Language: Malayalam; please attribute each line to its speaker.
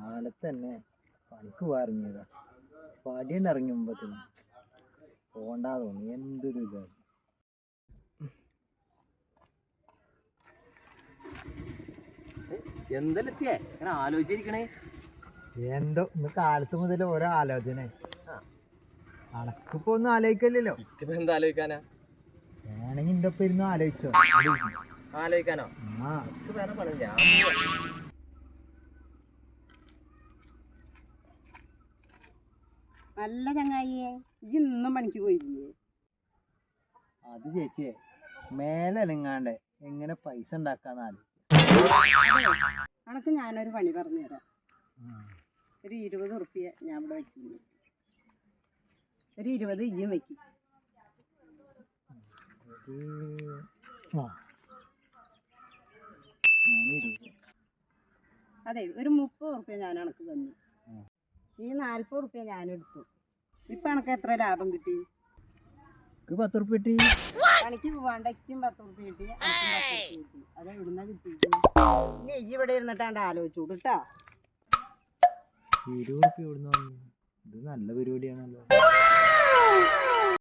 Speaker 1: കാലത്ത് തന്നെ പണിക്ക് പോകാറിങ്ങിയതാ. പടിയുണ്ട് ഇറങ്ങി മുമ്പത്തിന് പോണ്ടാ തോന്നി. എന്തൊരു ഇതാണ്.
Speaker 2: എന്തെത്തിയേ ഇങ്ങനെ ആലോചിച്ചിരിക്കണേ?
Speaker 1: എന്തോ ഇന്ന് കാലത്ത് മുതൽ ഓരോ ആലോചന. അനക്കിപ്പോ ഒന്നും ആലോചിക്കല്ലോ.
Speaker 2: എന്താ ആലോചിക്കാനാ?
Speaker 1: വേണമെങ്കിൽ ഇന്റെ ഒപ്പം ഇരുന്ന് ആലോചിച്ചോ.
Speaker 2: ആലോചിക്കാനോ? വേറെ പണി ഞാൻ
Speaker 3: നല്ല ചങ്ങായിയെ ഇന്നും പണിക്ക് പോയില്ലേ?
Speaker 1: അത് ചേച്ചിയെ മേലെ അനങ്ങാണ്ട് എങ്ങനെ പൈസ ഉണ്ടാക്കാന്ന് ആലോചിക്കും.
Speaker 3: അനക്ക് ഞാനൊരു പണി പറഞ്ഞു തരാം. ഒരു 20 ഉറുപ്പ്യ ഞാൻ ഇവിടെ വയ്ക്കുന്നു. ഒരു 20 ഇയ്യും വയ്ക്കും. അതെ, ഒരു 30 ഉറുപ്പ്യ ഞാൻ അനക്ക് തന്നു. ഈ 40 ഉറുപ്പ്യ ഞാനെടുത്തു. ഇപ്പൊ അനക്ക് എത്ര ലാഭം കിട്ടി?
Speaker 1: 10 ഉറുപ്പ്യ കിട്ടി.
Speaker 3: പണിക്ക് പോവാണ്ട് എക്കും 10 ഉറുപ്പ്യ കിട്ടി, അനക്കും 10 ഉറുപ്പ്യ കിട്ടി. അത് എവിടുന്ന കിട്ടി? ഇനി ഈ ഇവിടെ ഇരുന്നിട്ടാണ്ട് ആലോചിച്ചോളൂ കേട്ടോ.
Speaker 1: 20 ഉറുപ്പ്യ എവിടുന്ന് വന്നു? ഇത് നല്ല പരിപാടിയാണല്ലോ.